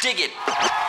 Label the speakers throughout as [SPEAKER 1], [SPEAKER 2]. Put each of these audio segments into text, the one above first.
[SPEAKER 1] Shake It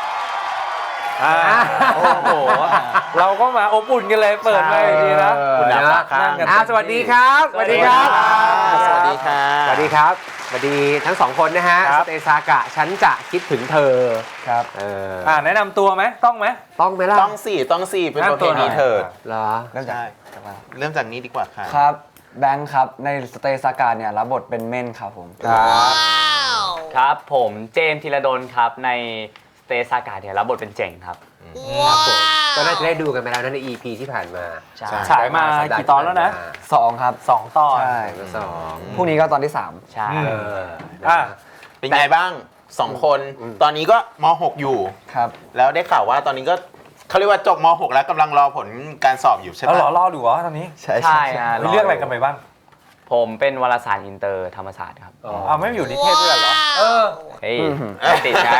[SPEAKER 2] โอ้โหเราก็มาอบอุ่นกันเลยเปิดมาอย่างนี้นะคุณนัก
[SPEAKER 3] สวัสดีครับสวัสดีครับ
[SPEAKER 1] สวัสดีค่ะ
[SPEAKER 3] สวัสดีครับสวัสดีทั้งสองคนนะฮะสเตซากะฉันจะคิดถึงเธอ
[SPEAKER 2] ครับแนะนำตัวไหมต้องไหม
[SPEAKER 3] ต้องไหมล่ะ
[SPEAKER 1] ต้องสี่เป็นประเพณีเถิด
[SPEAKER 3] เหรอ
[SPEAKER 1] ใช่เริ่มจากนี้ดีกว่าค่ะ
[SPEAKER 4] ครับแบงค์ครับในสเตซากาเนี่ยรับบทเป็นเม่นครับผม
[SPEAKER 5] ครับผมเจมส์ธีรดลครับในสเตซากาเนี่ยรับบทเป็นเจ๋งครับ
[SPEAKER 3] ครับผมก็น่าจะได้ดูกันไปแล้วใน EP ที่ผ่านมา
[SPEAKER 2] ฉายมากี่ตอนแล้วนะ
[SPEAKER 4] 2ครับ
[SPEAKER 2] 2 ตอน
[SPEAKER 4] ใช่
[SPEAKER 3] 2
[SPEAKER 4] พรุ่งนี้ก็ตอนที่3
[SPEAKER 5] ใช่
[SPEAKER 1] เป็นไงบ้าง2คนตอนนี้ก็ม.6 อยู่
[SPEAKER 4] ครับ
[SPEAKER 1] แล้วได้ข่าวว่าตอนนี้ก็เขาเรียกว่าจบม.6 แล้วกำลังรอผลการสอบอยู่ใช่ไหม
[SPEAKER 2] รอดูเหรอตอนนี้
[SPEAKER 5] ใช่
[SPEAKER 2] เรื่องอะไรกันไปบ้าง
[SPEAKER 5] ผมเป็นวารสารอินเตอร์ธรรมศาสตร์ครับ
[SPEAKER 2] ไม่อยู่นิเทศด้วยเหรอ
[SPEAKER 5] เฮ้ยติดไง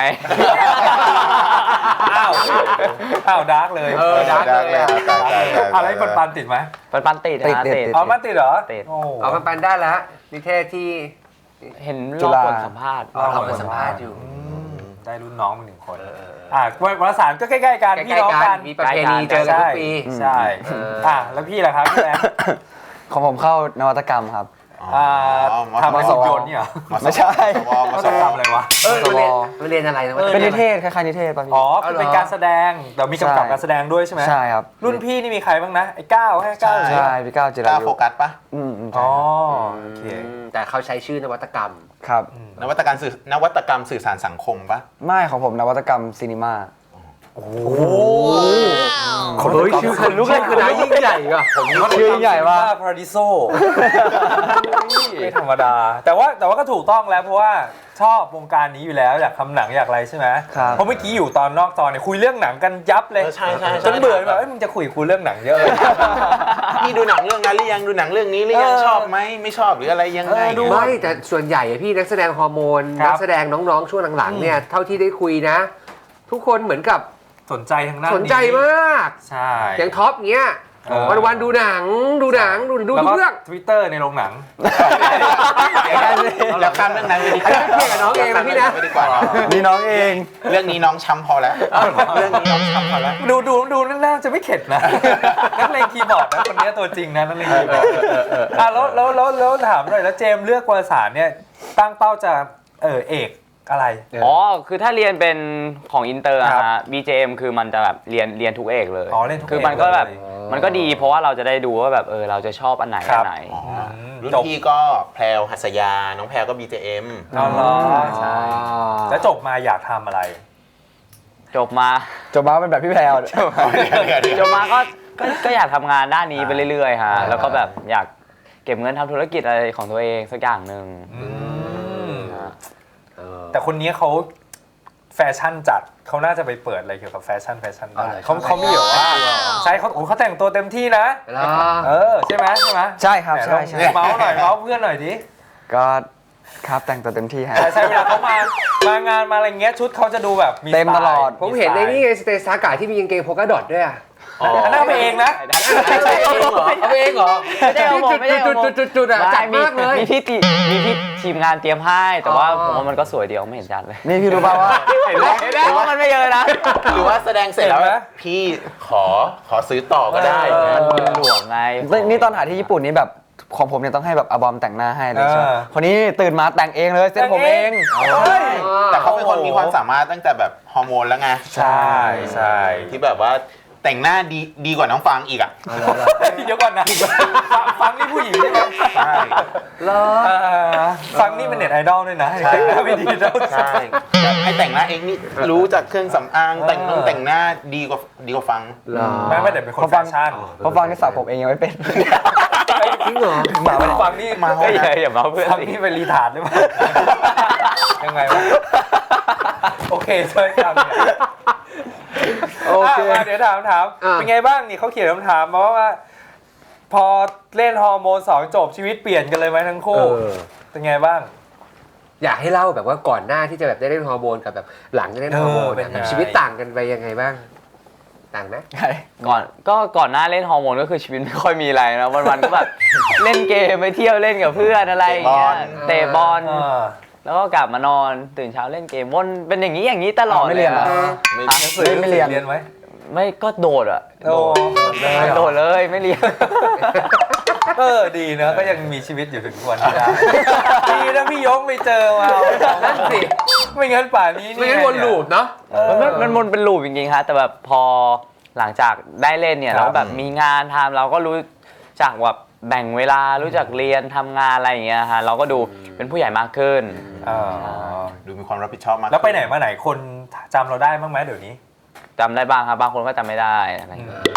[SPEAKER 2] อ้าวดาร์กเลย
[SPEAKER 1] ดาร์กเลย
[SPEAKER 2] อะไรปันติดไหม
[SPEAKER 5] ปันติด
[SPEAKER 4] ติด
[SPEAKER 2] มันติดเหรอ
[SPEAKER 5] ติด
[SPEAKER 3] ปันได้แล้วนิเทศที่
[SPEAKER 5] เห็นรอบผลสัมภาษณ์
[SPEAKER 3] สัมภาษณ์อยู่
[SPEAKER 2] ได้รุ่นน้องมา1 คนวารสารก็ใกล้ๆกันพี่น้องกัน
[SPEAKER 3] มีประเพณีเจอกันทุกปี
[SPEAKER 2] ใช่แล้วพี่ล่ะครับพี่แอน
[SPEAKER 4] ของผมเข้านวัตกรรมครับ
[SPEAKER 2] ทำหุ่นยนต์นี่เหรอ
[SPEAKER 4] ไม่ใช่
[SPEAKER 2] นวัตกรรมอะไรวะ
[SPEAKER 3] เรียนอะไร
[SPEAKER 4] เป็นนิเทศคล้ายๆนิเทศป่ะพี่
[SPEAKER 2] คือเป็นการแสดงแต่มีกำกับการแสดงด้วยใช่ไหม
[SPEAKER 4] ใช่ครับ
[SPEAKER 2] รุ่นพี่นี่มีใครบ้างนะไอ้ก้าวให้ก้าว
[SPEAKER 4] ใช่พี่ก้าวจิรายุ
[SPEAKER 1] โฟกัสปะ
[SPEAKER 2] โอเค
[SPEAKER 3] แต่เขาใช้ชื่อนวัตกรรม
[SPEAKER 4] ครับ
[SPEAKER 1] นวัตกรรมสื่อสารสังคมปะ
[SPEAKER 4] ไม่ของผมนวัตกรรมซีนีมา
[SPEAKER 2] โอ้
[SPEAKER 3] ชื่อคนลุกเลยคือน้ายิ่งใหญ่อะ
[SPEAKER 2] ผมชื่อใหญ่ว่าพาราดิโซไม่ธรรมดาแต่ว่าก็ถูกต้องแล้วเพราะว่าชอบวงการนี้อยู่แล้วอยากทำหนังอยากอะไรใช่ไหมเพราะเมื่อกี้อยู่ตอนนอกจอเนี่ยคุยเรื่องหนังกันยับเลย
[SPEAKER 1] ใช่
[SPEAKER 2] จนเบื่อแบบมึงจะคุยเรื่องหนังเยอะ
[SPEAKER 1] นี่ดูหนังเรื่องนั้นหรือยังดูหนังเรื่องนี้หรือยังชอบไหมไม่ชอบหรืออะไรยังไง
[SPEAKER 3] ไม่แต่ส่วนใหญ่พี่นักแสดงฮอร์โมนนักแสดงน้องๆช่วงหลังๆเนี่ยเท่าที่ได้คุยนะทุกคนเหมือนกับ
[SPEAKER 2] สนใจทางด้านนี้
[SPEAKER 3] สนใจมาก
[SPEAKER 2] ใช่
[SPEAKER 3] อย่างท็อปเงี้ยวันดูหนังดูทุกเรื่อง
[SPEAKER 2] Twitter ในโรงหนัง
[SPEAKER 1] แล้วข้ามเรื่องนั้นไปดีกว่า
[SPEAKER 3] เพื่อนกับน้องเองนะพี่นะ
[SPEAKER 4] นี่น้องเอง
[SPEAKER 1] เรื่องนี้น้องช้ำพอแล้วเรื่องนี้น้องช้ำพอแล้ว
[SPEAKER 2] ดูน่าจะไม่เข็ดนะนักเลงคีย์บอร์ดนะคนนี้ตัวจริงนะนักเลงคีย์บอร์ดแล้วถามหน่อยแล้วเจมเลือกวารสารเนี่ยตั้งเป้าจะเอกอะไร
[SPEAKER 5] คือถ้าเรียนเป็นของอินเตอร์ฮะ BJM คือมันจะแบบเรียนทุกเอกเลยคือมันก็แบบมันก็ดีเพราะว่าเราจะได้ดูว่าแบบเราจะชอบอันไหน
[SPEAKER 1] รุ่นพี่ก็แพรวหัสยาน้องแพรวก็ BJM
[SPEAKER 2] ใช่แล้วจบมาอยากทำอะไร
[SPEAKER 5] จบมา
[SPEAKER 4] เป็นแบบพี่แพรว
[SPEAKER 5] จบมาก็อยากทำงานด้านนี้ไปเรื่อยๆฮะแล้วก็แบบอยากเก็บเงินทำธุรกิจอะไรของตัวเองสักอย่างหนึ่ง
[SPEAKER 2] แต่คนนี้เขาแฟชั่นจัดเขาน่าจะไปเปิดอะไรเกี่ยวกับแฟชั่นได้เขามีอยู่ว่าใช่เขาแต่งตัวเต็มที่นะใช่ไหม
[SPEAKER 4] ใช่ครับใช่
[SPEAKER 2] เมาส์หน่อยเมาส์เพื่อนหน่อยดิ
[SPEAKER 4] ก็ครับแต่งตัวเต็มที่ฮะ
[SPEAKER 2] ใช่เวลาเขามางานมาอะไรเงี้ยชุดเขาจะดูแบบ
[SPEAKER 4] เต็มตลอด
[SPEAKER 3] ผมเห็นในนี่ไงสเตซากะที่มีกางเกงโพกาดอทด้วย
[SPEAKER 2] น่าไปเองนะ
[SPEAKER 3] เอาเองเหรอ
[SPEAKER 5] ไม่ได้เอา
[SPEAKER 3] จุดอ่ะจัดมากเลย
[SPEAKER 5] มีพี่ทีมงานเตรียมให้แต่ว่าผมว่ามันก็สวยเดียวไม่เห็นจัดเลย
[SPEAKER 4] นี่พี่รู้ป่าวว่า
[SPEAKER 5] เห็นว่ามันไม่เยอะนะ
[SPEAKER 1] หรือว่าแสดงเสร็จแล้วพี่ขอซื้อต่อก็ได้
[SPEAKER 5] มันหลวงไง
[SPEAKER 4] นี่ตอนถ่ายที่ญี่ปุ่นนี่แบบของผมเนี่ยต้องให้แบบอาบอมแต่งหน้าให้เลยใช่ไหมคนนี้ตื่นมาแต่งเองเลยเซ็ตผมเอง
[SPEAKER 1] แต่เขาเป็นคนมีความสามารถตั้งแต่แบบฮอร์โมนแล้วไง
[SPEAKER 2] ใช่
[SPEAKER 1] ที่แบบว่าแต่งหน้าดีกว่าน้องฟังอีกอ่ะ
[SPEAKER 2] เดี๋ยวก่อนนะฟังนี่ผู้หญิงใช่ไหม
[SPEAKER 1] ใช่
[SPEAKER 2] ฟังนี่เป็นเน็ตไอดอลด้วยนะแต่งหน้าไม่ดีแล้ว
[SPEAKER 1] ใช่ให้แต่งหน้าเองนี่รู้จากเครื่องสำอางแต่งหน้าดีกว่าฟัง
[SPEAKER 2] ไม่แต่เป็นคนแฟชั่น
[SPEAKER 4] เพราะฟังนี่สระผมเองยังไม่เป็น
[SPEAKER 3] จริงเหรอ
[SPEAKER 2] ฟังนี่
[SPEAKER 5] มาอย่ามาเพื่อน
[SPEAKER 2] ฟังนี่เป็นรีทาร์ดหรือเปล่ายังไงวะโอเคช่วยกันโอเคเดี๋ยวถามเป็นไงบ้างนี่เขาเขียนคำถามมาว่าพอเล่นฮอร์โมน2จบชีวิตเปลี่ยนกันเลยไหมทั้งคู่เป็นไงบ้าง
[SPEAKER 3] อยากให้เล่าแบบว่าก่อนหน้าที่จะแบบได้เล่นฮอร์โมนกับแบบหลังจะเล่นฮอร์โมนแบบชีวิตต่างกันไปยังไงบ้างต่างไหม
[SPEAKER 5] ก่อนหน้าเล่นฮอร์โมนก็คือชีวิตไม่ค่อยมีอะไรนะวันๆก็แบบเล่นเกมไปเที่ยวเล่นกับเพื่อนอะไรอย่างเงี้ยเตะบอลแล้วก็กลับมานอนตื่นเช้าเล่นเกมวนเป็นอย่างนี้ตลอด
[SPEAKER 4] ไม่เรียนเหรอ
[SPEAKER 1] ไม่
[SPEAKER 2] หนังสือ
[SPEAKER 4] ไม่เรียน
[SPEAKER 2] เรียนไหม
[SPEAKER 5] ไม่ก็โดดอะ
[SPEAKER 2] โอ้
[SPEAKER 5] โดดเลยไม่เรียน
[SPEAKER 2] ดีเนอะก็ยังมีชีวิตอยู่ถึงทุกวันนี้ได้ดีนะพี่ยกไม่เจอมา
[SPEAKER 3] นั่นสิ
[SPEAKER 2] ไม่งั้นป่านนี้
[SPEAKER 3] ไม่งั้นวนลูปเนาะ
[SPEAKER 5] มันวนเป็นลูปจริงๆครับแต่แบบพอหลังจากได้เล่นเนี่ยเราแบบมีงานทำเราก็รู้จักแบบแบ่งเวลารู้จักเรียนทำงานอะไรอย่างเงี้ยฮะเราก็ดูเป็นผู้ใหญ่มากขึ้น
[SPEAKER 1] ดูมีความรับผิดชอบมาก
[SPEAKER 2] แล้วไปไหนมาไหนคนจำเราได้บ้างไหมเดี๋ยวนี้
[SPEAKER 5] จำได้บ้างครับบางคนก็จำไม่ได้อะไรอย่างเงี้ย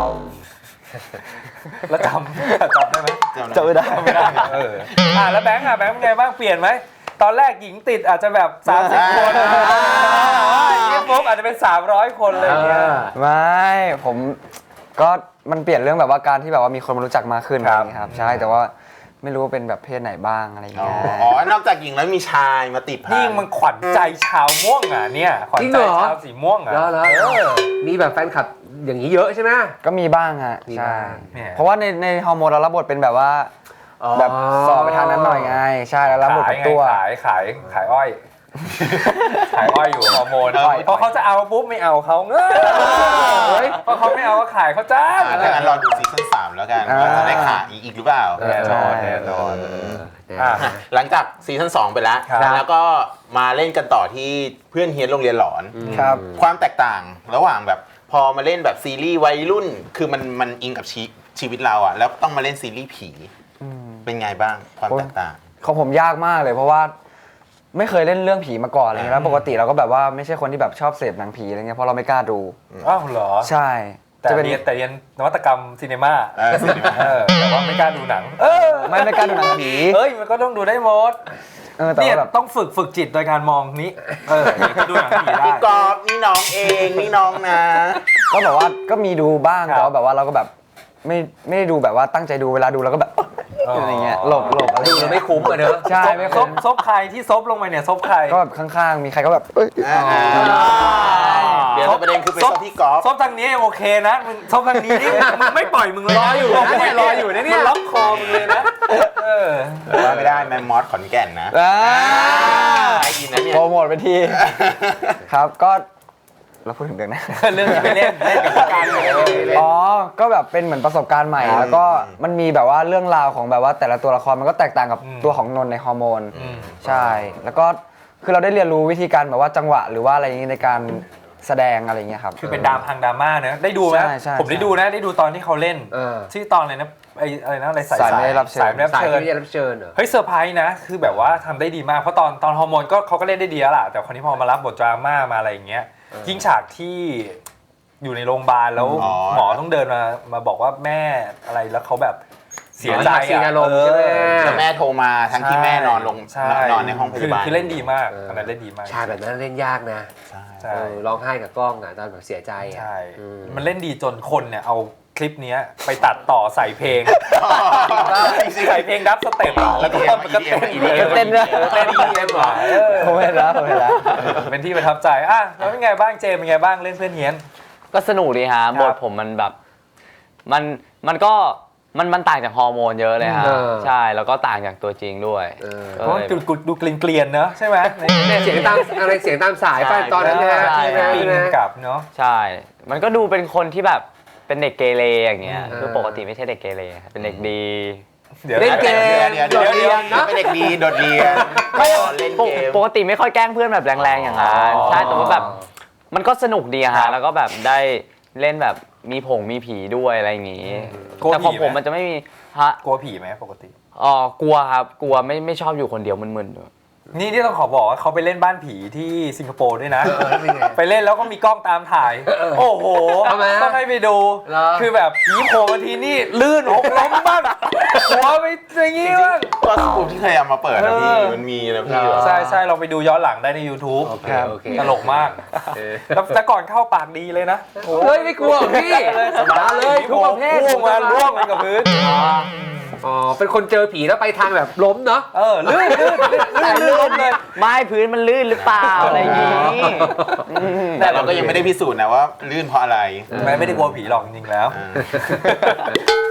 [SPEAKER 2] แล้วจำได้ไหม
[SPEAKER 4] จะไม่ได้
[SPEAKER 2] ไม่ได้แล้วแบงค์เป็นไงบ้างเปลี่ยนไหมตอนแรกหญิงติดอาจจะแบบ30 คนนี่ปุ๊บอาจจะเป็น300 คนเลยอย่างเงี้ย
[SPEAKER 4] ไม่ผมก็มันเปลี่ยนเรื่องแบบว่าการที่แบบว่ามีคนมารู้จักมากขึ้นอะไรอย่างเงี้ยครับใช่แต่ว่าไม่รู้ว่าเป็นแบบเพศไหนบ้างอะไรอย่าง
[SPEAKER 1] อ๋อ
[SPEAKER 4] เงี้ย
[SPEAKER 1] อ๋อนอกจากหญิงแล้วมีชายมาติดพัน
[SPEAKER 2] นี่มันขวัญใจชาวม่วงอ่ะเนี่ยขวัญใจชาวสีม่วงอ่ะ
[SPEAKER 3] แล้วมีแบบแฟนคลับอย่างนี้เยอะใช่ไหม
[SPEAKER 4] ก็มีบ้างฮะ
[SPEAKER 3] มี
[SPEAKER 4] ใช่
[SPEAKER 3] บ้าง
[SPEAKER 2] เนี่ย
[SPEAKER 4] เพราะว่าในฮอร์โมนเรารับบทเป็นแบบว่าแบบสอบไปทางนั้นหน่อยไงใช่แล้วรับบทเป็นตัว
[SPEAKER 2] ขายอ้อย ขายอ้อยอยู่ฮอร์โมนพอเขาจะเอาปุ๊บไม่เอาเขาเพราะเขาไม่เอาก็ขายเขาจ้า
[SPEAKER 1] ถ้างั้นรอดูซีซั่น3แล้วกันว่าจะได้ขาอีกหรือเปล่า
[SPEAKER 2] แน่นอน
[SPEAKER 1] หลังจากซีซั่น2ไปแล้ว
[SPEAKER 2] ครับ
[SPEAKER 1] แล้วก็มาเล่นกันต่อที่เพื่อนเฮียนโรงเรียนหลอน
[SPEAKER 4] ครับ
[SPEAKER 1] ความแตกต่างระหว่างแบบพอมาเล่นแบบซีรีส์วัยรุ่น คือมันอิงกับชีวิตเราอะแล้วต้องมาเล่นซีรีส์ผีเป็นไงบ้างความแตกต่าง
[SPEAKER 4] ของผมยากมากเลยเพราะว่าไม่เคยเล่นเรื่องผีมาก่อนอะไรเงี้ยแล้วปกติเราก็แบบว่าไม่ใช่คนที่แบบชอบเสพหนังผีอะไรเงี้ยเพราะเราไม่กล้าดู
[SPEAKER 2] อ้าวเหรอ
[SPEAKER 4] ใช่
[SPEAKER 2] แต่
[SPEAKER 4] จะเป็น
[SPEAKER 2] เรียนนวัตกรรมซีเนมา
[SPEAKER 1] ซีนีมา
[SPEAKER 2] แต่ว่าไม่กล้าดูหนัง
[SPEAKER 4] ไม่กล้าดูหนังผี
[SPEAKER 2] เฮ้ยมันก็ต้องดูได้หมด
[SPEAKER 4] แต่
[SPEAKER 2] เนี่ย
[SPEAKER 4] ว่าแบบ
[SPEAKER 2] ต้องฝึกจิตโดยการมองนี้ดูหนังผีได้
[SPEAKER 1] พี่กอล์ฟนี่น้องเองนี่น้องนะ
[SPEAKER 4] ก็แบบว่าก็มีดูบ้าง
[SPEAKER 2] ครับ
[SPEAKER 4] แต่ว่าแบบว่าเราก็แบบไม่ได้ดูแบบว่าตั้งใจดูเวลาดูเราก็แบบอะไรเงี้ยหลบอะไร
[SPEAKER 3] ดู
[SPEAKER 4] เงี้ย
[SPEAKER 3] ไม่คุ้มอ่ะเนอะ
[SPEAKER 4] ใช่ไม่
[SPEAKER 2] ซ
[SPEAKER 4] คุ้
[SPEAKER 2] บ
[SPEAKER 4] ม
[SPEAKER 2] ซบใครที่ซบลงไปเนี่ยซบใคร
[SPEAKER 4] ก็แบบข้างๆมีใครก็แบบเอ้ย
[SPEAKER 1] เดี๋ยวประเด็นคือไปซบที่กอล์ฟ
[SPEAKER 2] ซบทางนี้โอเคนะมึงซบทางนี้นี่มึงไม่ปล่อยมึงเลย
[SPEAKER 3] รออยู่นะเนี่ยรออยู่นะเนี่ย
[SPEAKER 2] มันล็อกคอมึงเลยนะ
[SPEAKER 1] ว่าไม่ได้แมมมอสขอนแก่นนะ
[SPEAKER 4] อ่า
[SPEAKER 1] ได้ยินนะเนี่ย
[SPEAKER 4] โปรโมทไปทีครับก็เราพูดถึงเรื่องนะ
[SPEAKER 2] เรื่องที่ไปเล่นกับการเลย
[SPEAKER 4] อ๋อ ก็แบบเป็นเหมือนประสบการณ์ใหม่ แล้วก็มันมีแบบว่าเรื่องราวของแบบว่าแต่ละตัวละครมันก็แตกต่างกับตัวของนนท์ในฮอร์โมน ใช่ แล้วก็คือเราได้เรียนรู้วิธีการแบบว่าจังหวะหรือว่าอะไรอย่างนี้ในการแสดงอะไรอย่างเงี้ยครับ
[SPEAKER 2] คือเป็นดราม่านะได้ดูไหม
[SPEAKER 4] ใช่
[SPEAKER 2] ผมได้ดูนะได้ดูตอนที่เขาเล่นชื่อตอนอะไรนะอะไรนะอะไรสาย
[SPEAKER 4] สายไม่ได้รับเชิญ
[SPEAKER 2] สายไม่ได้รับ
[SPEAKER 3] สาย
[SPEAKER 2] เชิญ
[SPEAKER 3] ที่ได้รับเชิญเหรอ
[SPEAKER 2] เฮ้ยเซอร์ไพรส์นะคือแบบว่าทำได้ดีมากเพราะตอนฮอร์โมนก็เขาก็เล่นได้ดีแล้วล่ะแต่คนนี้พอมารับบทดราม่ามาอะไรอย่างเงี้ยยิ่งฉากที่อยู่ในโรงพยาบาลแล้วหมอต้องเดินมาบอกว่าแม่อะไรแล้วเขาแบบเสียใจ
[SPEAKER 3] เสียอารมณ์ใช่ไหม
[SPEAKER 1] แล้วแม่โทรมาทั้งที่แม่นอนลง
[SPEAKER 2] ใช่
[SPEAKER 1] นอนในห้องพยาบาล
[SPEAKER 2] คือเล่นดีมากอันนั้นเล่นดีมาก
[SPEAKER 3] ชายแบบนั้นเล่นยากนะ
[SPEAKER 1] ใช่
[SPEAKER 2] ใช่
[SPEAKER 3] ร้องไห้กับกล้องอ่ะตอนแบบเสียใจอ่ะ
[SPEAKER 2] ใช่มันเล่นดีจนคนเนี่ยเอาคลิปเนี้ยไปตัดต่อใส่เพลงใส่เพลงดับสเต็ปแล้วก็มันก็เต้น
[SPEAKER 4] เต้นด้วย
[SPEAKER 2] เต้น EDM เหรอ
[SPEAKER 4] ผมเห็นแล้วผมเห็นแล้ว
[SPEAKER 2] เป็นที่ประทับใจอ่ะแล้วเป็นไงบ้างเจมเป็นไงบ้างเล่นเพื่อนเฮียน
[SPEAKER 5] ก็สนุกดีฮะบทผมมันแบบมันก็มันต่างจากฮอร์โมนเยอะเลยฮะใช่แล้วก็ต่างจากตัวจริงด้วย
[SPEAKER 2] เพราะมันดูเกลียนๆเนอะใช่ไหม
[SPEAKER 3] เสียงตามอะไรเสียงตามสายป่ะตอนนั้นนะ
[SPEAKER 5] ใช่
[SPEAKER 3] ที่
[SPEAKER 2] ปิง
[SPEAKER 3] นะ
[SPEAKER 2] กับเนาะ
[SPEAKER 5] ใช่ มันก็ดูเป็นคนที่แบบเป็นเด็กเกเรอย่างเงี้ยคือปกติไม่ใช่เด็กเกเรเป็นเด็กดี
[SPEAKER 2] ดี๋ยว
[SPEAKER 3] เล่นเกม
[SPEAKER 1] เดี๋ยว
[SPEAKER 3] โดดเรียนนะ
[SPEAKER 1] เป็นเด็กดีโดดเรียนเล่นเกม
[SPEAKER 5] ปกติไม่ค่อยแกล้งเพื่อนแบบแรงๆอย่างนั้นใช่แต่ว่าแบบมันก็สนุกดีอะฮะแล้วก็แบบได้เล่นแบบมีผีด้วยอะไรอย่างงี้แต่ของผมมันจะไม่มีฮะ
[SPEAKER 2] กลัวผีไหมปกติ
[SPEAKER 5] กลัวครับกลัวไม่ชอบอยู่คนเดียวมึนๆด้วย
[SPEAKER 2] นี่ที่ต้องขอบอกว่าเขาไปเล่นบ้านผีที่สิงคโปร์ด้วยนะ ไปเล่นแล้วก็มีกล้องตามถ่าย โอ้โห
[SPEAKER 3] ทำไมฮะ
[SPEAKER 2] ต้องให้ไปดู
[SPEAKER 3] เหรอ
[SPEAKER 2] คือแบบผีโผล่มาทีนี่ลื่นหกล้มบ้างหัวไปอย่างงี้บ้าง
[SPEAKER 1] ก็สกูปที่เคยเอามาเปิดนะพี่มันมีนะพี่
[SPEAKER 2] ใช่ใช่เราไปดูย้อนหลังได้ใน YouTube
[SPEAKER 3] โอเคโอเค
[SPEAKER 2] ตลกมากแต่ก่อนเข้าปากดีเลยนะ
[SPEAKER 3] เฮ้ยไม่กลัวพี่มาเลยทุกประเภท
[SPEAKER 2] พุ่งมาล่วงไปกับพื้น
[SPEAKER 3] อ๋อเป็นคนเจอผีแล้วไปทางแบบล้มเนาะ
[SPEAKER 2] ลื่นล้มเลย
[SPEAKER 5] ไม่พื้นมันลื่นหรือเปล่าอะไรอย่างงี้
[SPEAKER 1] แต่เราก็ยังไม่ได้พิสูจน์นะว่าลื่นเพราะอะไร
[SPEAKER 2] ไม่ได้กลัวผีหรอกจริงๆแล้ว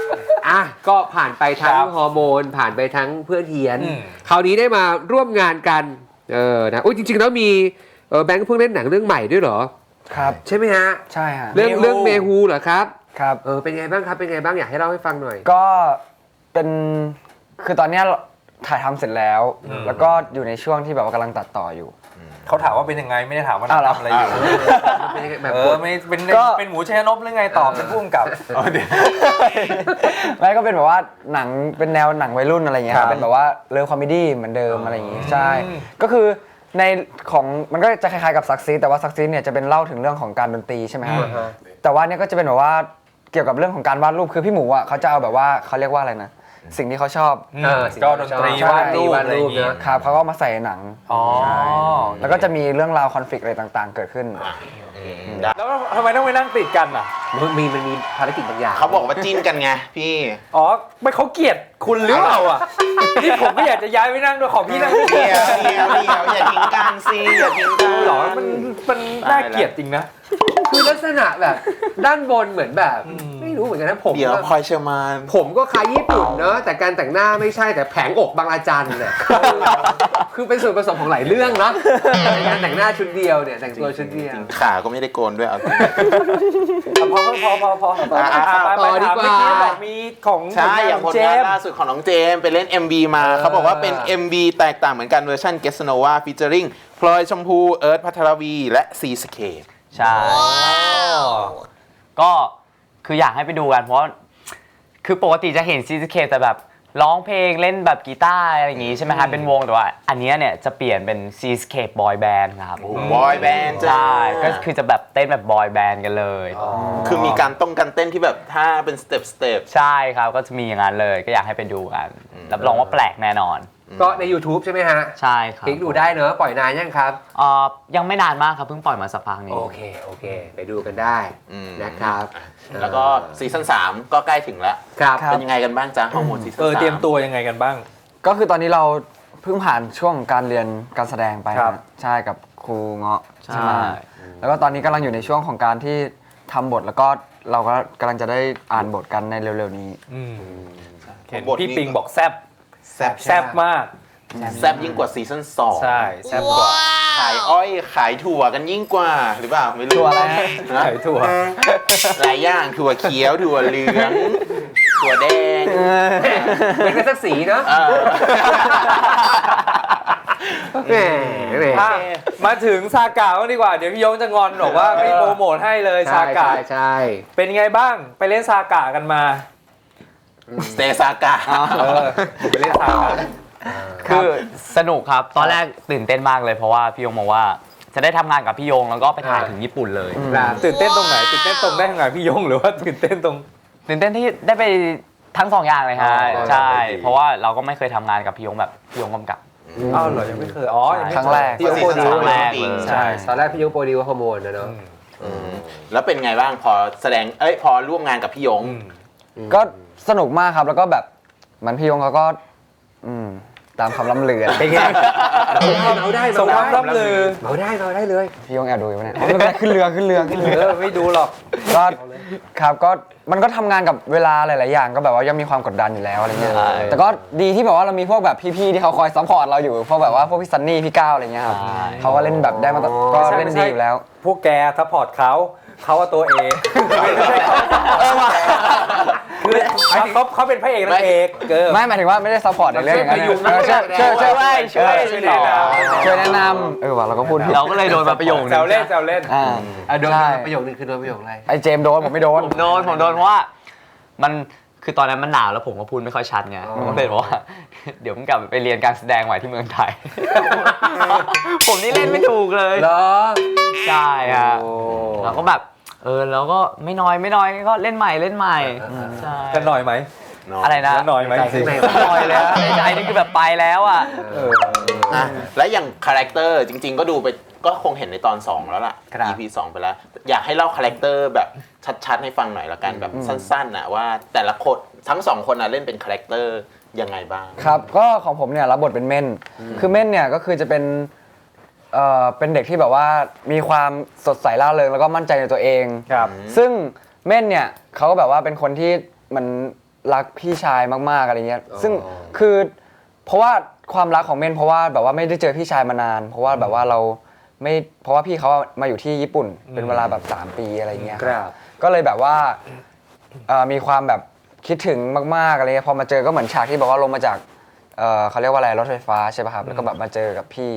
[SPEAKER 3] อ่ะก็ผ่านไปทั้ง
[SPEAKER 2] ครับ
[SPEAKER 3] ฮอร์โมนผ่านไปทั้งเพื่อนเฮียน
[SPEAKER 2] อืม
[SPEAKER 3] คราวนี้ได้มาร่วมงานกันนะโอ้ยจริงๆแล้วมีแบงค์เพิ่งเล่นหนังเรื่องใหม่ด้วยเหรอ
[SPEAKER 4] ครับ
[SPEAKER 3] ใช่ไหมฮะ
[SPEAKER 4] ใช่ฮะ
[SPEAKER 3] เรื่องเมฮูเหรอครับ
[SPEAKER 4] ครับ
[SPEAKER 3] เป็นไงบ้างครับเป็นไงบ้างอยากให้เล่าให้ฟังหน่อย
[SPEAKER 4] ก็เป็นคือตอนเนี้ยถ่ายทำเสร็จแล้ว แล้วก็อยู่ในช่วงที่แบบว่ากำลังตัดต่ออยู่
[SPEAKER 2] เขาถามว่าเป็นยังไงไม่ได้ถามว่า
[SPEAKER 4] อ้าวเหรอ
[SPEAKER 2] ทำอะไรอยู่
[SPEAKER 3] เป็นยังไงแบบ
[SPEAKER 2] ไม่เป็น
[SPEAKER 4] ก็
[SPEAKER 2] เป็นหมูชัยนพหรือไงตอบเป็นผู้กำกับ
[SPEAKER 4] ไม่ก็เป็นแบบว่าหนังเป็นแนวหนังวัยรุ่นอะไรเงี้ย
[SPEAKER 2] ครับ
[SPEAKER 4] เป็นแบบว่าเลิฟคอมเมดี้เหมือนเดิมอะไรอย่างงี้ใช่
[SPEAKER 2] อืม
[SPEAKER 4] ก็คือในของมันก็จะคล้ายๆกับซักซีแต่ว่าซักซีเนี่ยจะเป็นเล่าถึงเรื่องของการดนตรีใช่ไหมฮะ
[SPEAKER 2] อืม
[SPEAKER 4] แต่ว่าเนี่ยก็จะเป็นแบบว่าเกี่ยวกับเรื่องของการวาดรูปคือพี่หมูอ่ะเขาจะเอาแบบว่าเขาเรียกว่าอะไรนะสิ่งที่เขาชอบ
[SPEAKER 2] ก็ดนตรี
[SPEAKER 4] ใช่
[SPEAKER 2] วาดรูปอะไรอย่างงี้
[SPEAKER 4] ครับเขาก็เอามาใส่ในหนัง
[SPEAKER 2] อ๋อ
[SPEAKER 4] แล้วก็จะมีเรื่องราวคอนฟ lict อะไรต่างๆ เกิดขึ้น
[SPEAKER 1] ได้
[SPEAKER 2] แล้วทำไมต้องไปนั่งติดกันอ่ะ
[SPEAKER 3] มันมีภารกิจบางอย่าง
[SPEAKER 1] เขาบอกว่าจิ้นกันไงพี่
[SPEAKER 2] อ๋อไม่เขาเกลียดคุณหรือเปล่าอ่ะนี่ผมก็อยากจะย้ายไปนั่งด้วยขอพี่นั่งด้วย
[SPEAKER 1] เดียวอย่าทิ้งกันสิอย่าทิ้งกัน
[SPEAKER 2] หรอมันน่าเกลียดจริงนะ
[SPEAKER 3] คือลักษณะแบบด้านบนเหมือนแบบไม่รู้เหมือนกันนะผม
[SPEAKER 1] เดี๋ยวพลอยเชอร์มาน
[SPEAKER 3] ผมก็คล้ายญี่ปุ่นเนอะแต่การแต่งหน้าไม่ใช่แต่แผงอกบางอาจันเนี่ยคือเป็นส่วนผสมของหลายเรื่องเนาะในการแต่งหน้าชุดเดียวเนี่ยแต่งตัวชุดเดียว
[SPEAKER 1] ขาก็ไม่ได้โกนด้วยเอาจริง
[SPEAKER 2] พอ
[SPEAKER 1] ต่อ
[SPEAKER 3] ดีกว่า
[SPEAKER 2] เมื่อกี้บอกมีของ
[SPEAKER 1] ใช่อย่างผล
[SPEAKER 2] เจ
[SPEAKER 1] งาน
[SPEAKER 2] มส์
[SPEAKER 1] ล่าสุดของน้องเจมส์ไปเล่น MV มาเขาบอกว่าเป็น MV แตกต่างเหมือนกันเวอร์ชัน Guess Nova featuring พลอยชมพูเอิร์ธพัทรวีและซีสเคป
[SPEAKER 5] ใช่ก็คืออยากให้ไปดูกันเพราะคือปกติจะเห็นซีซีเคแต่แบบร้องเพลงเล่นแบบกีตาร์อะไรอย่างงี้ใช่ไหมครับเป็นวงแต่ว่าอันเนี้ยเนี่ยจะเปลี่ยนเป็นซีสเคปบอยแบนด์ครับ
[SPEAKER 1] บอยแบนด์
[SPEAKER 5] ใช่ก็คือจะแบบเต้นแบบบอยแบนด์กันเลย
[SPEAKER 1] คือมีการการเต้นที่แบบท่าเป็นสเต็ป
[SPEAKER 5] ใช่ครับก็จะมีอย่างนั้นเลยก็อยากให้ไปดูกันรับรองว่าแปลกแน่นอน
[SPEAKER 3] ก็ใน YouTube ใช่ไหมฮะ
[SPEAKER 5] ใช่ครับ
[SPEAKER 3] คลิกดูได้เนอะปล่อยนานยังครับ
[SPEAKER 5] ยังไม่นานมากครับเพิ่งปล่อยมาสักพักนี้
[SPEAKER 3] โอเคไปดูกันได้นะครับ
[SPEAKER 1] แล้วก็ซีซั่น3ก็ใกล้ถึงแล้ว
[SPEAKER 3] ครับ
[SPEAKER 4] ครับ
[SPEAKER 1] เป็นยังไงกันบ้างจ๊ะฮอร์โมนซีซั่น3
[SPEAKER 2] เตรียมตัวยังไงกันบ้าง
[SPEAKER 4] ก็คือตอนนี้เราเพิ่งผ่านช่วงการเรียนการแสดงไป
[SPEAKER 2] ครับ
[SPEAKER 4] นะใช่กับครูเงาะ
[SPEAKER 5] ใช่
[SPEAKER 4] ใช่ไหมแล้วก็ตอนนี้กำลังอยู่ในช่วงของการที่ทำบทแล้วก็เราก็กำลังจะได้อ่านบทกันในเร็วๆนี้
[SPEAKER 2] เห็น
[SPEAKER 1] บทนี้
[SPEAKER 2] พี่ปิงบอกแซบ
[SPEAKER 1] แซ่บ
[SPEAKER 2] มาก
[SPEAKER 1] แซ่บยิ่งกว่าซีซั่น2
[SPEAKER 2] ใช่แซบกว่า
[SPEAKER 1] ขายอ้อยขายถั่วกันยิ่งกว่าหรือเปล่าไม่รู้
[SPEAKER 4] ถั่วอะไรฮะ
[SPEAKER 1] นะ
[SPEAKER 2] ไข่ถั่ว
[SPEAKER 1] หลายอย่างถั่วเขียวถั่วเหลืองถั่วแดง
[SPEAKER 3] เป็นกันสักสีเนาะ
[SPEAKER 1] เออ
[SPEAKER 3] แหม
[SPEAKER 2] อ่ะมาถึงซากะบ้างดีกว่า เดี๋ยวพี่ยงจะงอนบอกว่าไม่โปรโมทให้เลยซากะ
[SPEAKER 3] ใช่
[SPEAKER 2] เป็นไงบ้างไปเล่นซากะกันมา
[SPEAKER 1] สเตซากะ
[SPEAKER 2] ไปเล่นซากะ
[SPEAKER 5] คือสนุกครับตอนแรกตื่นเต้นมากเลยเพราะว่าพี่ยงบอกว่าจะได้ทำงานกับพี่ยงแล้วก็ไปถ่ายถึงญี่ปุ่นเลย
[SPEAKER 3] ครับ
[SPEAKER 2] ตื่นเต้นตรงไหนตื่นเต้นตรงได้ทำงานพี่ยงหรือว่าตื่นเต้นตรง
[SPEAKER 5] ตื่นเต้นที่ได้ไปทั้งสองอย่างเลยครับ
[SPEAKER 2] อ๋อ
[SPEAKER 5] ใช่
[SPEAKER 2] ดี
[SPEAKER 5] เพราะว่าเราก็ไม่เคยทำงานกับพี่ยงแบบพี่ยงกำกับ
[SPEAKER 2] อ้าวเหรอยังไม่เคยอ๋อยังไม่
[SPEAKER 4] ครั้งแรก
[SPEAKER 2] ที่โอโปรดิว
[SPEAKER 5] ครั้งแรกเลย
[SPEAKER 2] ใช่
[SPEAKER 3] ตอนแรกพี่ยงโปรดิวฮอร์โมนนะเนาะ
[SPEAKER 1] แล้วเป็นไงบ้างพอแสดงพอร่วมงานกับพี่ยง
[SPEAKER 4] ก็สนุกมากครับแล้วก็แบบเหมันพี่ยงเขาก็ตามคำล่ำลือ
[SPEAKER 3] เป็นไงเมาได้
[SPEAKER 2] สงครามร่ำลือ
[SPEAKER 3] เมาได้เลย
[SPEAKER 4] พี่ยงแอบดูอยู่ปะเนี่ยไม่เป็นไรขึ้นเรือขึ้นเรือ
[SPEAKER 2] ไม่ดูหรอก
[SPEAKER 4] ก็ครับก็มันก็ทำงานกับเวลาหลายๆอย่างก็แบบว่ายังมีความกดดันอยู่แล้วอะไรเงี้ย
[SPEAKER 5] ใช่
[SPEAKER 4] แต่ก็ดีที่แบบว่าเรามีพวกแบบพี่ๆที่เขาคอยซัพพอร์ตเราอยู่พวกแบบว่าพวกพี่ซันนี่พี่ก้าวอะไรเงี้ยครับเขาก็เล่นแบบได้มาก็เล่นดีอยู่แล้ว
[SPEAKER 2] พวกแกซัพพอร์ตเขาว่าตัวเองไม่ใช่คือเขาเป็นพระเอกนางเอก
[SPEAKER 4] ไม่หมายถึงว่าไม่ได้ซัพพอร์ตในเรื่องอย่างนั้นช่วยแนะนำว่ะเราก็พูดผิด
[SPEAKER 5] เราก็เลยโดนมาประโยคนึง
[SPEAKER 2] แซวเล่นแซวเล่น
[SPEAKER 3] โดน
[SPEAKER 4] ใช่
[SPEAKER 3] ประโยคนึงคือโดนประโยคอะไร
[SPEAKER 4] ไอเจมส์โดนผมไม่โดน
[SPEAKER 5] ผมโดนเพราะว่ามันคือตอนนั้นมันหนาวแล้วผมก็พูดไม่ค่อยชัดไงผมก็เลยบอกว่า เดี๋ยวผมกลับไปเรียนการแสดงใหม่ที่เมืองไทย ผมนี่เล่นไม่ถูกเลย
[SPEAKER 3] เหรอ
[SPEAKER 5] ใช่ฮะเราก็แบบเราก็ไม่น้อยก็เล่นใหม่ใช่
[SPEAKER 2] กันหน่อยไหม
[SPEAKER 5] อะไรนะ
[SPEAKER 2] หน่อยไหม
[SPEAKER 3] ข้างใน
[SPEAKER 5] น้อยเลยในใจนี่คือแบบไปแล้วอ่ะ
[SPEAKER 1] และอย่างคาแรคเตอร์จริงๆก็ดูไปก็คงเห็นในตอน 2 แล้วล่ะ EP 2 ไปแล้ว อยากให้เล่าคาแรคเตอร์แบบชัดๆให้ฟังหน่อยละกันแบบสั้นๆนะว่าแต่ละคนทั้งสองคนเล่นเป็นคาแรคเตอร์ยังไงบ้าง
[SPEAKER 4] ครับก็ของผมเนี่ยรับบทเป็นเม่นคือเม่นเนี่ยก็คือจะเป็นเด็กที่แบบว่ามีความสดใสร่าเริงแล้วก็มั่นใจในตัวเอง
[SPEAKER 2] ครับ
[SPEAKER 4] ซึ่งเม่นเนี่ยเขาก็แบบว่าเป็นคนที่มันรักพี่ชายมากๆอะไรเงี้ยซึ่งคือเพราะว่าความรักของเมนเพราะว่าแบบว่าไม่ได้เจอพี่ชายมานาน เพราะว่าแบบว่าเราไม่เพราะว่าพี่เขามาอยู่ที่ญี่ปุ่นเป็นเวลาแบบ3 ปีอะไรเงี้ย
[SPEAKER 3] ครับ
[SPEAKER 4] ก็เลยแบบว่ามีความแบบคิดถึงมากๆอะไรเงี้ยพอมาเจอก็เหมือนฉากที่แบบว่าลงมาจากเขาเรียกว่าอะไรรถไฟฟ้าใช่ป่ะครับแล้วก็แบบมาเจอกับพี่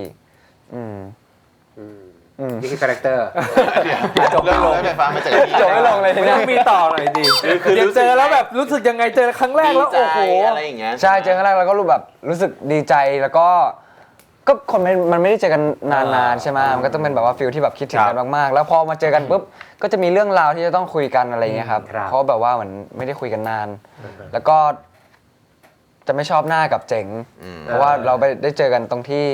[SPEAKER 3] นี่คือคาแรคเตอร์
[SPEAKER 2] จบไม่ลง
[SPEAKER 1] เริ่ไฟฟ้ามาจากที่
[SPEAKER 4] จบไม่ลงเลย
[SPEAKER 2] ไม่
[SPEAKER 4] เนี่
[SPEAKER 2] ต้
[SPEAKER 4] ย
[SPEAKER 2] องมีต่อหน่อยดิ
[SPEAKER 1] คือ
[SPEAKER 2] เดี๋ยว
[SPEAKER 1] รู้สึ
[SPEAKER 2] เจ
[SPEAKER 1] ก
[SPEAKER 2] อแล้วแบบรู้สึกยังไงเจอครั้งแรกแล้ว
[SPEAKER 1] ดี
[SPEAKER 2] โอ้โห
[SPEAKER 1] ใจอะไรอย่างเงี้ย
[SPEAKER 4] ใช่เจอครั้งแรกแล้วก็รู้สึกดีใจแล้วก็คนมันไม่ได้เจอกันนานๆใช่ไหมมันก็ต้องเป็นแบบว่าฟิลที่แบบคิดถึงกันมากๆ แล้วพอมาเจอกันปุ๊บก็จะมีเรื่องราวที่จะต้องคุยกันอะไรเงี้ยครับ
[SPEAKER 3] ครับ
[SPEAKER 4] เพราะแบบว่าเหมือนไม่ได้คุยกันนาน แล้วก็จะไม่ชอบหน้ากับเจ๋ง เพราะว่าเราไปได้เจอกันตรงที่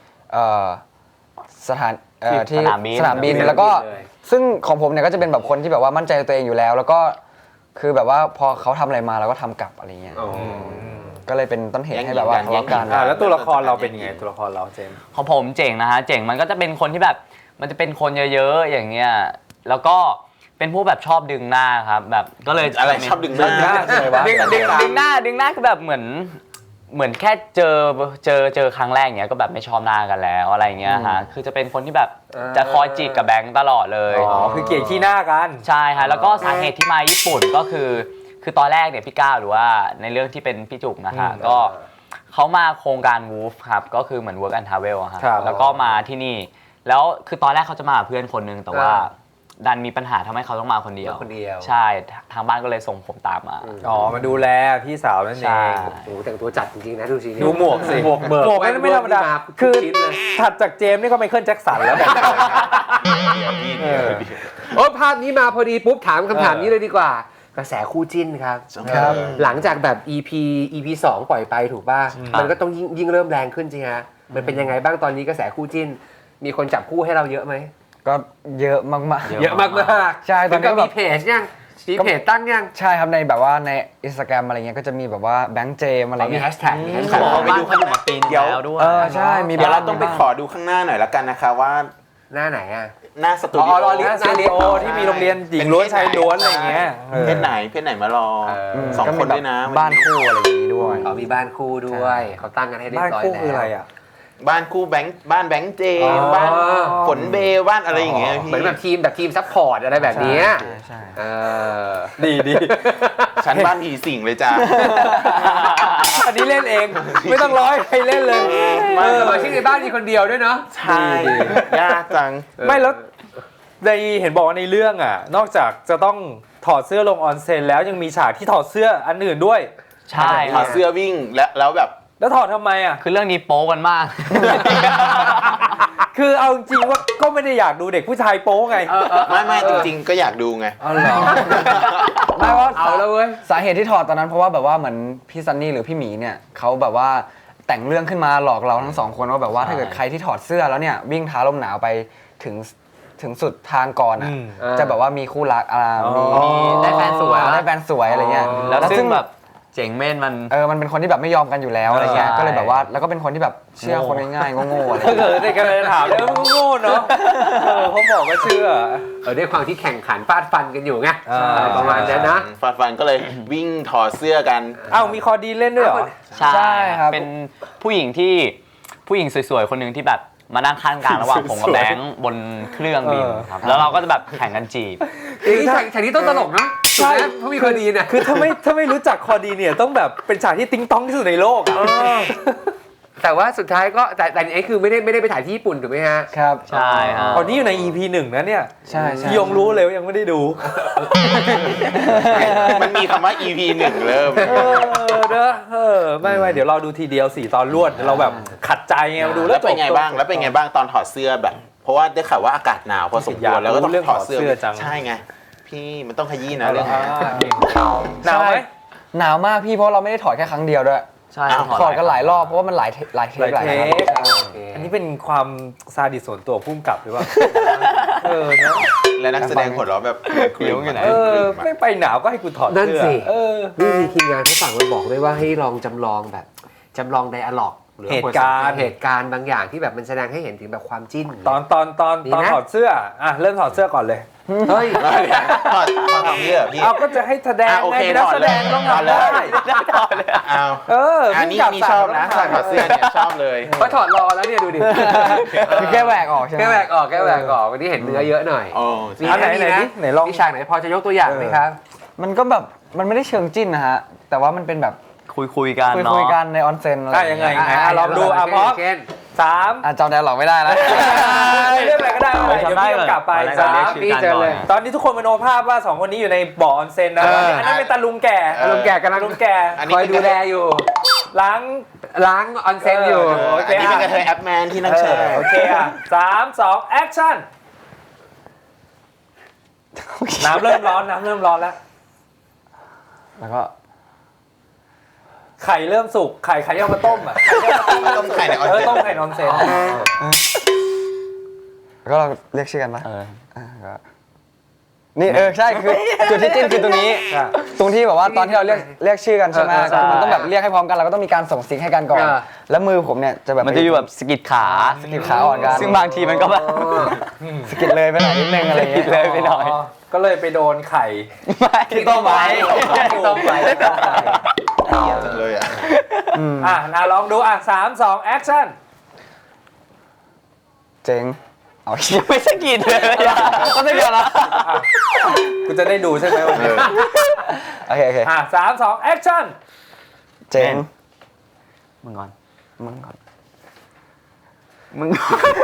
[SPEAKER 4] สถานที่
[SPEAKER 5] สนามบิน
[SPEAKER 4] สนามบินแล้วก็ซึ่งของผมเนี่ยก็จะเป็นแบบคนที่แบบว่ามั่นใจในตัวเองอยู่แล้ว แล้วก็คือแบบว่าพอเขาทำอะไรมาเราก็ทำกลับอะไรเงี้ยก็เลยเป็นต้นเหตุให้แบบว่าทะเลาะกัน
[SPEAKER 2] แล้วตัวละครเราเป็นยังไงตัวละครเราเจมส์
[SPEAKER 5] ของผมเจ๋งนะฮะเจ๋งมันก็จะเป็นคนที่แบบมันจะเป็นคนเยอะๆอย่างเงี้ยแล้วก็เป็นพวกแบบชอบดึงหน้าครับแบบก็เลย
[SPEAKER 1] อะไรชอบดึงหน้า
[SPEAKER 5] ดึงหน้าคือแบบเหมือนแค่เจอครั้งแรกเนี้ยก็แบบไม่ชอบหน้ากันแล้วอะไรเงี้ยฮะคือจะเป็นคนที่แบบจะคอยจีบกับแบงค์ตลอดเลย
[SPEAKER 2] อ๋อคือเกลียดขี้หน้ากัน
[SPEAKER 5] ใช่ฮะแล้วก็สาเหตุที่มาญี่ปุ่นก็คือตอนแรกเนี่ยพี่ก้าวหรือว่าในเรื่องที่เป็นพี่จุกนะฮะก็เขามาโครงการ WOOF ครับก็คือเหมือน Work and Travel อะฮะ
[SPEAKER 2] ครับ
[SPEAKER 5] แล้วก็มาที่นี่แล้วคือตอนแรกเขาจะมากับเพื่อนคนนึงแต่ว่าดันมีปัญหาทำให้เขาต้องมาคนเดียว
[SPEAKER 3] คนเดียว
[SPEAKER 5] ใช่ทางบ้านก็เลยส่งผมตามมา
[SPEAKER 2] อ๋อมาดูแลพี่สาวนั่นเอ
[SPEAKER 5] ใช่
[SPEAKER 2] ง
[SPEAKER 3] โอ้โหแต่งตัวจัดจริงๆนะดูสิ
[SPEAKER 2] ดูหมวกสิหมวกนั่นไม่ธรรมดา
[SPEAKER 3] คื
[SPEAKER 2] คือ อ
[SPEAKER 3] ชิ้นเลย
[SPEAKER 2] ถัดจากเจมส์นี่ก็ไมเคิลแจ็คสันแล้วแบบ
[SPEAKER 3] โอ้ภาพนี้มาพอดีปุ๊บถามคำถามนี้เลยดีกว่า กระแสคู่จิ้นครับ
[SPEAKER 1] ครับ
[SPEAKER 3] หลังจากแบบ EP 2 ปล่อยไปถูกป่ะ มันก็ต้องยิ่งเริ่มแรงขึ้นจริงฮะมันเป็นยังไงบ้างตอนนี้กระแสคู่จิ้น มีคนจับคู่ให้เราเยอะไหม
[SPEAKER 4] ก็เยอะมากๆ
[SPEAKER 3] เยอะมากๆ
[SPEAKER 4] ใช่ตอนนี้ก็แบบ
[SPEAKER 3] มีเพจยังมีเพจตั้งยัง
[SPEAKER 4] ใช่ครับในแบบว่าใน Instagram อะไรเงี้ยก็จะมีแบบว่าแบงค์เจมอะไร
[SPEAKER 3] มี
[SPEAKER 4] เงี้ย
[SPEAKER 3] แฮชแท็กมีแฮช
[SPEAKER 1] ข
[SPEAKER 3] แท็ก
[SPEAKER 1] อไปดูขนมปีนแล้วด้วย
[SPEAKER 4] ใช่มี
[SPEAKER 1] เดี๋ยวเราต้องไป
[SPEAKER 4] บ้
[SPEAKER 1] ขอดูข้างหน้าหน่อยละกันนะคะว่า
[SPEAKER 3] หน้าไหนอ่ะ
[SPEAKER 1] หน้าสตูดิ
[SPEAKER 3] อ๋อรอ
[SPEAKER 1] โอ
[SPEAKER 3] ลิ
[SPEAKER 2] หน้าสตูดิโอที่มีโรงเรียนหญิงล้วนชายล้วนอะไรอย่างเงี้ย
[SPEAKER 1] เพศไหนมารอ สองคนด้วยนะ
[SPEAKER 4] บ้านคู่อะไรอย่างนี้ด้วย
[SPEAKER 3] เขามีบ้านคู่ด้วยเขาตั้งกันให้เรีย
[SPEAKER 2] บ้าน
[SPEAKER 3] บร้อย
[SPEAKER 2] คู่
[SPEAKER 3] แล้ว
[SPEAKER 2] คืออะไรอ่ะ
[SPEAKER 1] บ้านคู่แบงค์บ้านแบงค์เจ
[SPEAKER 3] อ๋อ
[SPEAKER 1] บ้านฝนเบลบ้านอะไรอย่างเงี้ยพี่
[SPEAKER 3] เหมือนแบบทีมซัพพอร์ตอะไรแบบเนี้ย
[SPEAKER 4] ใช่
[SPEAKER 3] เออ
[SPEAKER 2] ดี
[SPEAKER 1] ฉันบ้านผีสิงเลยจ้า
[SPEAKER 2] อันนี้เล่นเอง ไม่ต้องร้อยใครเล่นเลย
[SPEAKER 3] สมาชิกในบ้านมีคนเดียวด้วยเนาะ
[SPEAKER 1] ใช่ยากจัง
[SPEAKER 2] ไม่แล้วในเห็นบอกว่าในเรื่องอ่ะ นอกจากจะต้องถอดเสื้อลงออนเซ็นแล้วยังมีฉากที่ถอดเสื้ออันอื่นด้วย
[SPEAKER 5] ใช่
[SPEAKER 1] ถอดเสื้อวิ่งแล้วแบบ
[SPEAKER 2] แล้วถอดทำไมอ่ะ
[SPEAKER 5] คือเรื่องนี้โป๊กันมาก
[SPEAKER 2] คือเอาจริงว่าก็ไม่ได้อยากดูเด็กผู้ชายโป๊ไง
[SPEAKER 1] ไม่จริงๆก็อยากดูไง
[SPEAKER 2] อ๋อเหรอ
[SPEAKER 4] ไม่ว่า
[SPEAKER 3] เอาแล้วเว้ย
[SPEAKER 4] สาเหตุที่ถอดตอนนั้นเพราะว่าแบบว่าเหมือนพี่ซันนี่หรือพี่หมีเนี่ยเขาแบบว่าแต่งเรื่องขึ้นมาหลอกเราทั้งสองคนว่าแบบว่าถ้าเกิดใครที่ถอดเสื้อแล้วเนี่ยวิ่งท้าลมหนาวไปถึงสุดทางก่อนอ่ะ จะแบบว่ามีคู่รักมี
[SPEAKER 3] ได้แฟนสวย
[SPEAKER 4] ได้แฟนสวยอะไรเงี้ย
[SPEAKER 5] แล้วซึ่งแบบเจ๋งเม่นมัน
[SPEAKER 4] มันเป็นคนที่แบบไม่ยอมกันอยู่แล้วอะไรเงี้ย
[SPEAKER 5] ใช่
[SPEAKER 4] ก็เลยแบบว่าแล้วก็เป็นคนที่แบบเชื่อคนง่ายๆโง่ๆอะไร
[SPEAKER 2] ถ้า
[SPEAKER 4] เงี้ย
[SPEAKER 2] เกิดเด็กกันเลยถามแล้วมึงโง่เนาะเขาบอกว่าเชื่อ
[SPEAKER 3] ด้วยความที่แข่งขันฟาดฟันกันอยู่ไง
[SPEAKER 2] อ่า
[SPEAKER 3] ประมาณนั้นนะ
[SPEAKER 1] ฟันก็เลยวิ่งถอดเสื้อกัน
[SPEAKER 2] อ้าวมีคอดีนเล่นด้วยเหรอ
[SPEAKER 4] ใช่ครับ
[SPEAKER 5] เป็นผู้หญิงสวยๆคนหนึ่งที่แบบมานั่งข้างกลางระหว่างผมกับแบงค์บนเครื่องบินครับแล้วเราก็จะแบบแข่งกันจีบ
[SPEAKER 3] ฉากนี้ต้องตลกนะถูกไหมเพราะมีคนดีเนี่ย
[SPEAKER 2] คือถ้าไม่รู้จักคอดีเนี่ยต้องแบบเป็นฉากที่ติ๊งต้องที่สุดในโลกอ่ะ
[SPEAKER 3] แต่ว่าสุดท้ายก็แต่อันนี้คือไม่ได้ไปถ่ายที่ญี่ปุ่นถูกไหมฮะ
[SPEAKER 4] ครับ
[SPEAKER 5] ใช่ฮะ
[SPEAKER 2] ตอนนี้อยู่ใน EP 1 นะเนี่ย
[SPEAKER 4] ใช่ใช่
[SPEAKER 2] พี่ยงรู้เลยว่ายังไม่ได้ดู
[SPEAKER 1] มันมีคำว่า EP 1 เริ่ม
[SPEAKER 2] ไม่เดี๋ยวเราดูทีเดียว4 ตอนรวดเราแบบขัดใจไงมาดูแล้
[SPEAKER 1] แล้ว วเป็นไงบ้างตอนถอดเสื้อแบบ เพราะว่าได้ข่าวว่าอากาศหนาวพอสมควรแล้วก็ต้องถอดเสื้อใช่ไงพี่มันต้องขยี้นะเรื่องนี้
[SPEAKER 2] หนาวไหม
[SPEAKER 4] หนาวมากพี่เพราะเราไม่ได้ถอดแค่ครั้งเดียวด้วย
[SPEAKER 5] ใช่
[SPEAKER 4] ถอดกันหลายรอบเพราะว่ามันหลายเทคหลาย
[SPEAKER 2] หลายเท
[SPEAKER 4] ครั้ง
[SPEAKER 2] คอันนี้เป็นความซาดิสส่วนตัวพุ่มกับหรือเปล่านะ
[SPEAKER 1] และนักแสดงหัวเราะแบบเคลิ้มอยู่ไหน
[SPEAKER 2] ไม่ไปหนาวก็ให้กูถอด
[SPEAKER 3] นั่น
[SPEAKER 2] เสื้อ
[SPEAKER 3] สินี่มีทีมงานเขาฝากมาบอกด้วยว่าให้ลองจำลองไดอะล็อกหรือ
[SPEAKER 2] เหตุการณ์
[SPEAKER 3] เหตุการณ์บางอย่างที่แบบมันแสดงให้เห็นถึงแบบความจิ้น
[SPEAKER 2] ตอนถอดเสื้ออ่ะเริ่มถอดเสื้อก่อนเลย
[SPEAKER 3] เฮ้ย
[SPEAKER 1] ถอดตรงนี้เหรอพี่
[SPEAKER 2] เอาก็จะให้แสดง
[SPEAKER 1] โอ
[SPEAKER 2] ไง
[SPEAKER 1] เค
[SPEAKER 2] เป็นนักแสดงต้อง
[SPEAKER 1] ถอด
[SPEAKER 2] ทำ
[SPEAKER 1] เล
[SPEAKER 2] ได้
[SPEAKER 1] ยถอดเลยเอา อันนี้มีชอบนะใส่ถอดเสื้อเนี่ยชอบเลย
[SPEAKER 3] เพราะถอดรอแล้วเนี่ยดูดิ
[SPEAKER 4] คือแก้แหวกออกใช่ไหม
[SPEAKER 3] แก้แหวกออกวันนี้เห็นเนื้อเยอะหน่อย
[SPEAKER 1] โอ้
[SPEAKER 3] มี
[SPEAKER 2] อันไหน
[SPEAKER 3] มี
[SPEAKER 2] ไหนดิไหนลอง
[SPEAKER 3] มีฉากไหนพอจะยกตัวอย่างไหมครับ
[SPEAKER 4] มันก็แบบมันไม่ได้เชิงจิ้นนะฮะแต่ว่ามันเป็นแบบ
[SPEAKER 5] คุยกันเนาะ
[SPEAKER 4] คุยกันในออนเซ็นอะไร
[SPEAKER 2] ยังไง
[SPEAKER 3] ลองดู
[SPEAKER 2] พร้อม
[SPEAKER 3] เช่น
[SPEAKER 2] 3
[SPEAKER 4] จำได้หรอกไม่ได้แล้ว
[SPEAKER 2] เรื่องอะไรก็ได้เดี๋ยวพี่กำกับไป
[SPEAKER 5] ตอนแรก
[SPEAKER 2] 3
[SPEAKER 3] พี่เจอเลย
[SPEAKER 2] ตอนนี้ทุกคนมโนภาพว่า2คนนี้อยู่ในบ่อออนเซ็นนะอันนั้นเป็นตาลุงแก่
[SPEAKER 3] ลุงแก่กำลัง
[SPEAKER 2] ลุงแก่
[SPEAKER 3] คอยดูแลอยู่
[SPEAKER 2] ล้าง
[SPEAKER 3] ล้างออนเซ็นอยู่
[SPEAKER 2] โอเค
[SPEAKER 1] อันนี้เป็นกระเทยแอปแมนที่นั่งแชร์
[SPEAKER 2] โอเคอ่ะ3 2 แอคชั่นน้ำเริ่มร้อนแล้ว
[SPEAKER 4] แล้วก็
[SPEAKER 2] ไข่เริ่มสุกไข่เอามาต้มอ่ะ
[SPEAKER 1] ต้มไข่ในออนเซ็น
[SPEAKER 2] ต้มไข่นอนเซน
[SPEAKER 4] แล้วก็เราเรียกชื่อกันปะ
[SPEAKER 5] เออ
[SPEAKER 4] นี่ใช่คือจุดที่จิ้นคือตรงนี้ ตรงที่แบบว่าตอนที่เราเรียกชื่อกันใช่ไหมคือมันต้องแบบเรียกให้พร้อมกันเราก็ต้องมีการส่งซิกให้กันก่อน แล้วมือผมเนี่ยจะแบบ
[SPEAKER 5] มันจะอยู่แบบสะกิดขา
[SPEAKER 4] สกิดขาอ่อนกัน
[SPEAKER 5] ซึ่งบางทีมันก็แบบ
[SPEAKER 4] สกิดเลยไปหน่อยนิดนึงอะไรอย่างเงี้ย
[SPEAKER 5] เลยไปหน่อย
[SPEAKER 2] ก็เลยไปโดนไข่
[SPEAKER 5] ที่ต้มไว้
[SPEAKER 3] ต้มไว้
[SPEAKER 1] เลยอ่ะ
[SPEAKER 2] ลองดู3 2 แอคชั่น
[SPEAKER 4] เจ๋งเอา
[SPEAKER 5] ยังไม่สะกิดเลยก็ไม่เดียวละ
[SPEAKER 2] กูจะได้ดูใช่ไหมวันนี้
[SPEAKER 4] โอเค
[SPEAKER 2] 3 2 แอคชั่น
[SPEAKER 4] เจ๋ง
[SPEAKER 5] มึงก่อน
[SPEAKER 4] มึงก่อน
[SPEAKER 5] มึง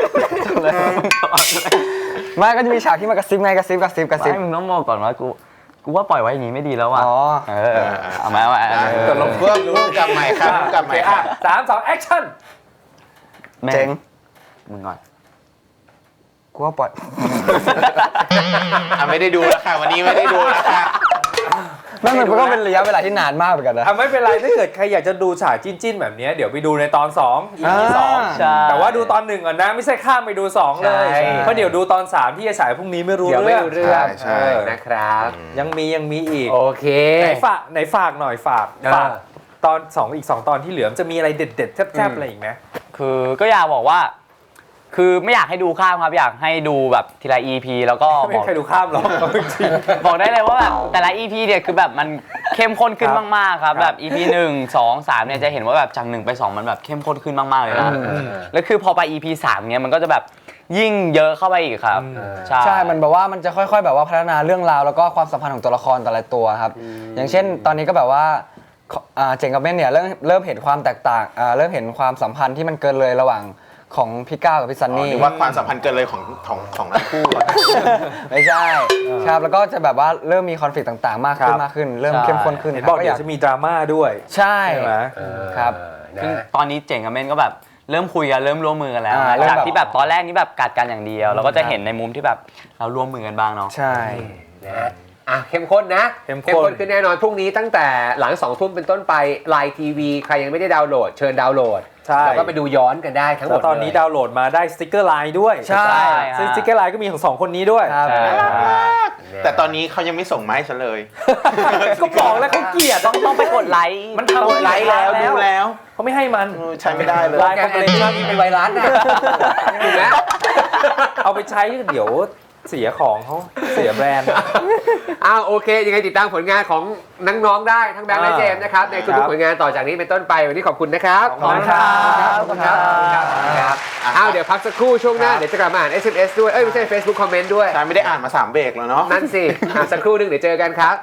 [SPEAKER 4] ไม่ก็จะมีฉากที่มันกระซิบไงกระซิบ
[SPEAKER 5] ไม่มึงต้องมองก่อนว่ากูว่าปล่อยไว้อย่างนี้ไม่ดีแล้วว่ะ
[SPEAKER 4] อ๋อ
[SPEAKER 5] เอามา
[SPEAKER 1] ตกลงเพื่อรู้กับใหม่ครับกับใหม่ครับ
[SPEAKER 2] 3 2 แอคชั่น
[SPEAKER 4] เจ๋ง
[SPEAKER 5] มึงก่อน
[SPEAKER 4] กูว่าปล่อย
[SPEAKER 1] ไม่ได้ดูแล้วค่ะวันนี้ไม่ได้ดูแล้วค่ะ
[SPEAKER 4] นั่นมันก็เป็นระยะเวลาที่นานมากเหมือนกันนะ
[SPEAKER 2] ไม่เป็นไรถ้าเกิดใครอยากจะดูฉากจิ้นๆแบบนี้เดี๋ยวไปดูในตอน2 EP
[SPEAKER 5] ใช่
[SPEAKER 2] 2แต่ว่าดูตอน1ก่อนนะไม่ใช่ข้ามไปดู2เลยเพราะเดี๋ยวดูตอน3ที่จะฉายพรุ่งนี้ไม่รู้
[SPEAKER 3] เดี๋ยวไม่
[SPEAKER 2] เรื่อง
[SPEAKER 3] รู้เรื่อง
[SPEAKER 1] ใช่
[SPEAKER 3] นะครับ
[SPEAKER 2] ยังมีอีก
[SPEAKER 3] โอเค
[SPEAKER 2] ไหนฝากหน่อยฝากตอนอีก2ตอนที่เหลือมันจะมีอะไรเด็ดๆแซ่บๆอะไรอีกไหม
[SPEAKER 5] คือก็อยากบอกว่า คือไม่อยากให้ดูข้ามครับอยากให้ดูแบบทีละ EP แล้วก็
[SPEAKER 2] ไม่
[SPEAKER 5] บอก
[SPEAKER 2] มีใครดูข้ามหรอกจริง
[SPEAKER 5] บอกได้เลยว่าแบบแต่ละ EP เนี่ยคือแบบมันเข้มข้นขึ้นมากๆครับแบบ EP 1 2 3เนี่ยจะเห็นว่าแบบจาก1ไป2มันแบบเข้มข้นขึ้นมากๆเลยนะแล้วคือพอไป EP 3เนี่ยมันก็จะแบบยิ่งเยอะเข้าไปอีกครับ
[SPEAKER 4] ใช่มันแบบว่ามันจะค่อยๆแบบว่าพัฒนาเรื่องราวแล้วก็ความสัมพันธ์ของตัวละครแต่ละตัวครับอย่างเช่นตอนนี้ก็แบบว่าเจ๋งกับเม่นเนี่ยเริ่มเห็นความแตกต่างเริ่มเห็นความสัมพันธ์ที่มันเกินเลยระหว่างของพี่ก้าวกับพี่ซันนี่
[SPEAKER 1] หรือว่าความสัมพันธ์เกินเลยของทั้งคู่
[SPEAKER 4] ไม่ใช่ครับแล้วก็จะแบบว่าเริ่มมีคอนฟ lict ต่างๆมากขึ้นเริ่มเข้มข้นขึ้น
[SPEAKER 2] เห็นบอกเดี๋ยวจะมีดราม่าด้วย
[SPEAKER 4] ใช่
[SPEAKER 2] ใช่ไหม
[SPEAKER 4] ครับ
[SPEAKER 5] ซึ่งตอนนี้เจ๋งกับเม่นก็แบบเริ่มคุยกันเริ่มร่วมมือกันแล้วนะ
[SPEAKER 4] เริ่ม
[SPEAKER 5] จาก
[SPEAKER 4] แบบ
[SPEAKER 5] ที่แบบตอนแรกนี่แบบกัดกันอย่างเดียวเราก็จะเห็นในมุมที่แบบเราร่วมมือกันบ้างเนาะ
[SPEAKER 4] ใช่
[SPEAKER 3] นะเข้มข้นนะ
[SPEAKER 2] เข้มข้น
[SPEAKER 3] ขึ้นแน่นอนพรุ่งนี้ตั้งแต่หลัง2 ทุ่มเป็นต้นไปไลน์ทีวีใครยังไม่ได้ดาวน์โหลดเชิญดาวน์โหลด
[SPEAKER 2] ใช่
[SPEAKER 3] แล้วก็ไปดูย้อนกันได้ทั้งหม
[SPEAKER 2] แล้
[SPEAKER 3] ด
[SPEAKER 2] วตอนนี้
[SPEAKER 3] เลย
[SPEAKER 2] ดาวน์โหลดมาได้สติ๊กเกอร์ไลน์ด้วย
[SPEAKER 4] ใช่
[SPEAKER 2] ซึ่งสติ๊กเกอร์ไลน์ก็มีของ2คนนี้ด้วย
[SPEAKER 4] ครับ
[SPEAKER 5] ใช่
[SPEAKER 1] แต่ตอนนี้เขายังไม่ส่งมาให้ฉันเลย
[SPEAKER 2] ก็บอกแล้วเขาเกลียด
[SPEAKER 5] ต้องไปกดไลค์
[SPEAKER 2] มันทำ
[SPEAKER 1] กดไลค์แล้วดูแล้ว
[SPEAKER 2] เขาไม่ให้มัน
[SPEAKER 1] ใช้ไม่ได้เลย
[SPEAKER 2] ไลน์
[SPEAKER 3] แกนแอนตี้เป็นไวรัสนะถูกไหม
[SPEAKER 2] เอาไปใช้เดี๋ยวเสียของเขาเสียแบรนด์
[SPEAKER 3] โอเคยังไงติดตามผลงานของน้องๆได้ทั้งแบงค์และเจมส์นะครับในทุกๆผลงานต่อจากนี้เป็นต้นไปวันนี้ขอบคุณนะครับ
[SPEAKER 2] ขอบคุณครับ
[SPEAKER 3] ขอบคุณครับเดี๋ยวพักสักครู่ช่วงหน้าเดี๋ยวจะกลับมาอ่าน SMS ด้วยไม่ใช่ Facebook คอมเมนต์ด้วย
[SPEAKER 1] ใช่ไม่ได้อ่านมา3 เบรกแล้วเนาะ
[SPEAKER 3] นั่นสิสักครู่นึงเดี๋ยวเจอกันครับ